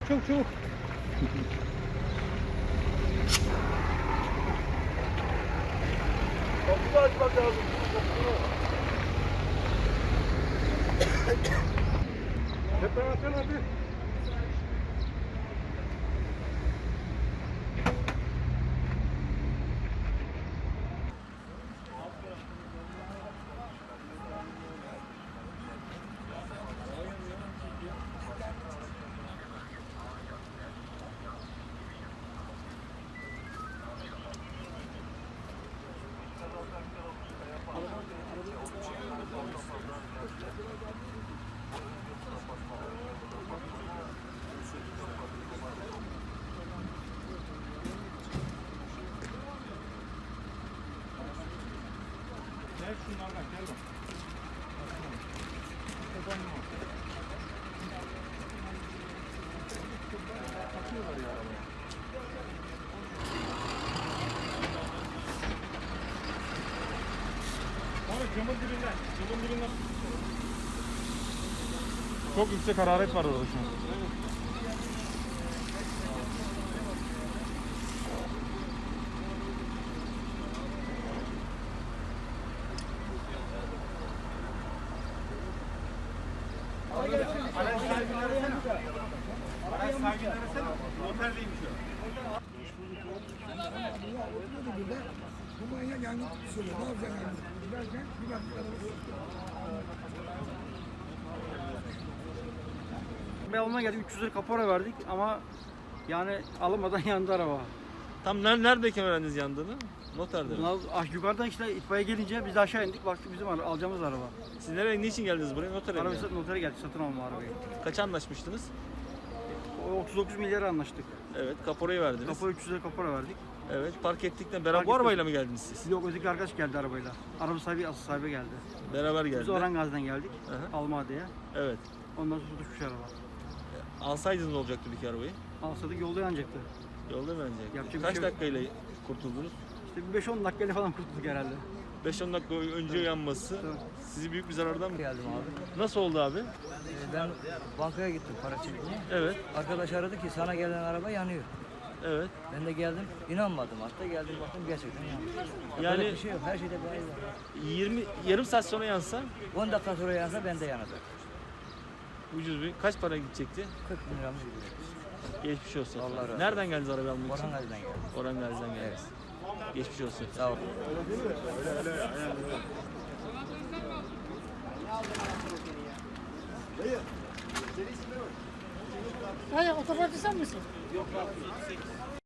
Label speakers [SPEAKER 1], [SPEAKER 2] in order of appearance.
[SPEAKER 1] Çok çabuk.
[SPEAKER 2] Kapıyı açmak lazım.
[SPEAKER 1] Tepeye atın hadi. Gel şunlardan gel bak. Atıyorlar ya arabaya. Sonra camın dibinden. Çok yüksek hararet var orada şu an. Araç sahibini arasana. Oterdeymiş o.
[SPEAKER 3] Bu manyak yangın söylüyor. Ne yapacak yangın? Giderken bir baktık arabası.
[SPEAKER 4] Bir almaya geldik, 300 lira kapora verdik ama yani alamadan yandı araba.
[SPEAKER 2] Tam neredeyken öğrendiniz yandığını? Noterde mi?
[SPEAKER 4] Yukarıdan işte itfaiye gelince biz de aşağı indik, baktık bizim alacağımız araba.
[SPEAKER 2] Siz nereye, niçin geldiniz buraya? Notere mi?
[SPEAKER 4] Araba notere geldik, satın alma arabayı.
[SPEAKER 2] Kaça anlaşmıştınız?
[SPEAKER 4] O 39 milyara anlaştık.
[SPEAKER 2] Evet, kaporayı verdiniz.
[SPEAKER 4] Kapora 300 lira kapora verdik.
[SPEAKER 2] Evet, park ettikten beraber
[SPEAKER 4] Park
[SPEAKER 2] bu
[SPEAKER 4] ettik.
[SPEAKER 2] arabayla mı geldiniz siz?
[SPEAKER 4] Yok, öteki arkadaş geldi arabayla. Araba sahibi, asıl sahibi geldi.
[SPEAKER 2] Beraber
[SPEAKER 4] Biz
[SPEAKER 2] geldiler.
[SPEAKER 4] Orangaz'dan geldik,
[SPEAKER 2] Aha.
[SPEAKER 4] Almade'ye.
[SPEAKER 2] Evet.
[SPEAKER 4] Ondan sonra tutuşmuş araba.
[SPEAKER 2] Alsaydınız ne olacaktı peki arabayı?
[SPEAKER 4] Alsadık yolda yanacaktı.
[SPEAKER 2] Yolda mı önce?
[SPEAKER 4] Yapacak bir
[SPEAKER 2] Kaç
[SPEAKER 4] şey yok.
[SPEAKER 2] dakikayla kurtuldunuz?
[SPEAKER 4] İşte bir 5-10 dakikayla falan kurtulduk herhalde.
[SPEAKER 2] 5-10 dakika önce yanması
[SPEAKER 4] Tamam.
[SPEAKER 2] sizi büyük bir zarardan mı?
[SPEAKER 5] Geldim abi.
[SPEAKER 2] Nasıl oldu abi?
[SPEAKER 5] Ben bankaya gittim para çekmeye.
[SPEAKER 2] Evet,
[SPEAKER 5] Arkadaş aradı ki sana gelen araba yanıyor.
[SPEAKER 2] evet.
[SPEAKER 5] Ben de geldim, inanmadım hatta geldim baktım gerçekten yanıyor.
[SPEAKER 2] Yani-
[SPEAKER 5] Yani bir şey yok, her şeyde bir ayı var.
[SPEAKER 2] Yarım saat sonra yansa
[SPEAKER 5] 10 dakika sonra yansa ben de yanacak.
[SPEAKER 2] ucuz bir kaç para gidecekti?
[SPEAKER 5] 40 bin liramız gidiyor.
[SPEAKER 2] Geçmiş olsun.
[SPEAKER 5] Allah razı olsun.
[SPEAKER 2] Nereden geldiniz arabayı almak için?
[SPEAKER 5] Orhan Gazi'den geldim.
[SPEAKER 2] Orhan Gazi'den geldiniz. Geçmiş olsun.
[SPEAKER 5] Sağ ol.
[SPEAKER 6] Hayır, otoparkçı sen misin?